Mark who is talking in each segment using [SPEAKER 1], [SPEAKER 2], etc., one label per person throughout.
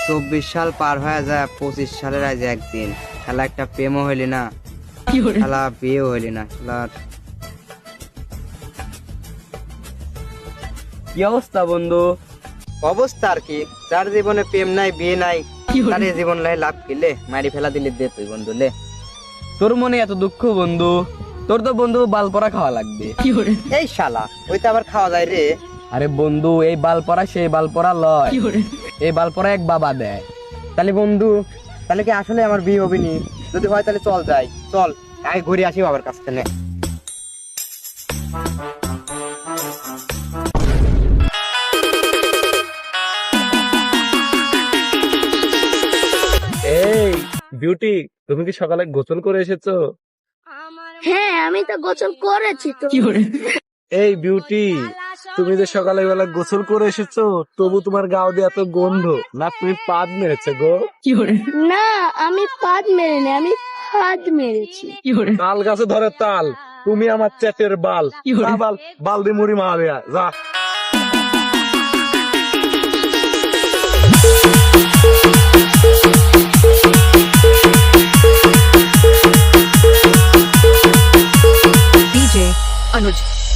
[SPEAKER 1] 24 সাল পার হয়ে যায়, 25 সালের আজ একদিন। শালা একটা প্রেমও হইলি না, শালা বিয়েও হইলি না। শালার
[SPEAKER 2] কি অবস্থা বন্ধু?
[SPEAKER 1] অবস্থা আর কি, যার জীবনে প্রেম নাই বিয়ে নাই তার এই জীবন লাই লাভ কিলে মারি ফেলা দিলে দে তুই বন্ধু লে।
[SPEAKER 2] তোর মনে এত দুঃখ বন্ধু? তোর তো বন্ধু বালপরা খাওয়া লাগবে।
[SPEAKER 1] এই শালা ওইটা আবার খাওয়া যায় রে?
[SPEAKER 2] আরে বন্ধু, এই বালপরা সেই বালপরা লয়, এই বালপরা এক বাবা দেয়।
[SPEAKER 1] তাহলে বন্ধু, তাহলে কি আসলে আমার বিয়ে হবে নি? যদি হয় তাহলে চল যাই, চল আগে ঘুরে আসি বাবার কাছ থেকে।
[SPEAKER 3] এই বিউটি, তুমি কি সকালে গোসল করে এসেছো?
[SPEAKER 4] হ্যাঁ, আমি তো গোসল করেছি তো।
[SPEAKER 3] এই বিউটি, তুমি যে সকালে বেলা গোসল করে এসেছো, তবু তোমার গাও দিয়ে এত গন্ধ। না তুমি পাদ মেরেছে গো?
[SPEAKER 4] না, আমি পাদ মেরিনি, আমি ফাঁদ মেরেছি।
[SPEAKER 3] তাল গাছে ধরে তাল, তুমি আমার চেটের বাল। যা বাল, বাল দিয়ে মুড়ি মারবে যা।
[SPEAKER 5] DJ Anuj.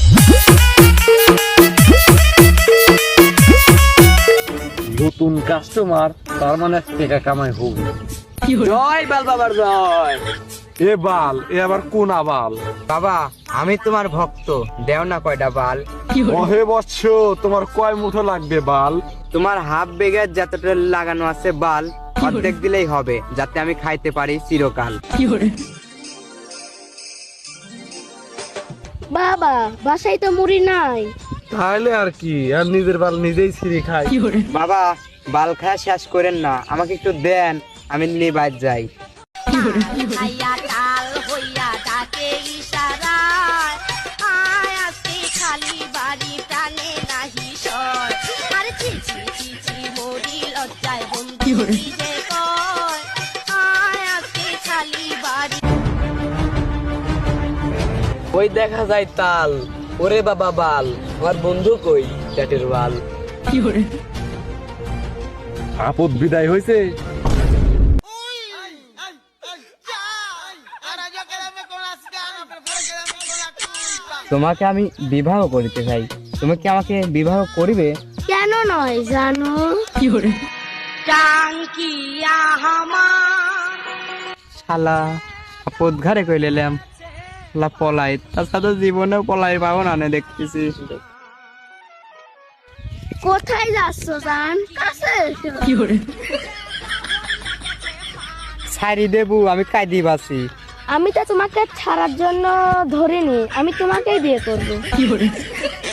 [SPEAKER 3] নতুন কাস্টমার, তার মানে টাকা কামাই হোক।
[SPEAKER 2] জয় বাল বাবার জয়।
[SPEAKER 3] এ বাল, এ আবার কোন আবাল?
[SPEAKER 1] বাবা আমি তোমার ভক্ত, দেও না কয়টা বাল।
[SPEAKER 3] ওহে বৎস, তোমার কয় মুঠো লাগবে বাল?
[SPEAKER 1] তোমার হাফ বেগের যতটা লাগানো আছে বাল অর্ধেক দিলেই হবে, যাতে আমি খাইতে পারি চিরকাল।
[SPEAKER 4] বাবা, বাসায় তো মুড়ি নাই।
[SPEAKER 3] তাহলে আর কি, আর নিজের বাল নিজেই ছিঁড়ে খাই।
[SPEAKER 1] বাবা বাল খায়া শেষ করেন না, আমাকে একটু দেন, আমি নিয়ে বাইর যাই।
[SPEAKER 6] খাইয়া তাল হইয়া ডাকে ইশারায়, আয় আজকে খালি বাড়ি প্রাণে নাহি সয়। আর চিচি চিচি মরি লজ্জায় বন্ধু যে কয়, আয় আজকে খালি বাড়ি।
[SPEAKER 2] ওই দেখা যায় তাল, ওরে বাবা বাল, আমার বন্ধু কই চ্যাটের বাল।
[SPEAKER 3] আপদ বিদায় হয়েছে।
[SPEAKER 1] তোমাকে আমি বিবাহ করিতে চাই, তুমি কি আমাকে বিবাহ করিবে?
[SPEAKER 4] কেন নয় জানো?
[SPEAKER 6] টাঙ্কিয়া হামা
[SPEAKER 1] শালা আপদ ঘরে কই লেলাম, শালা পলাই, তার সাথে জীবনেও পলাই পাবো না নে দেখতেছি।
[SPEAKER 4] কোথায় যাচ্ছ জান? কাছে এসো।
[SPEAKER 1] ছাড়ি দেবু, আমি কাঁদি বাসি।
[SPEAKER 4] আমি তো তোমাকে ছাড়ার জন্য ধরিনি, আমি তোমাকেই বিয়ে করবো।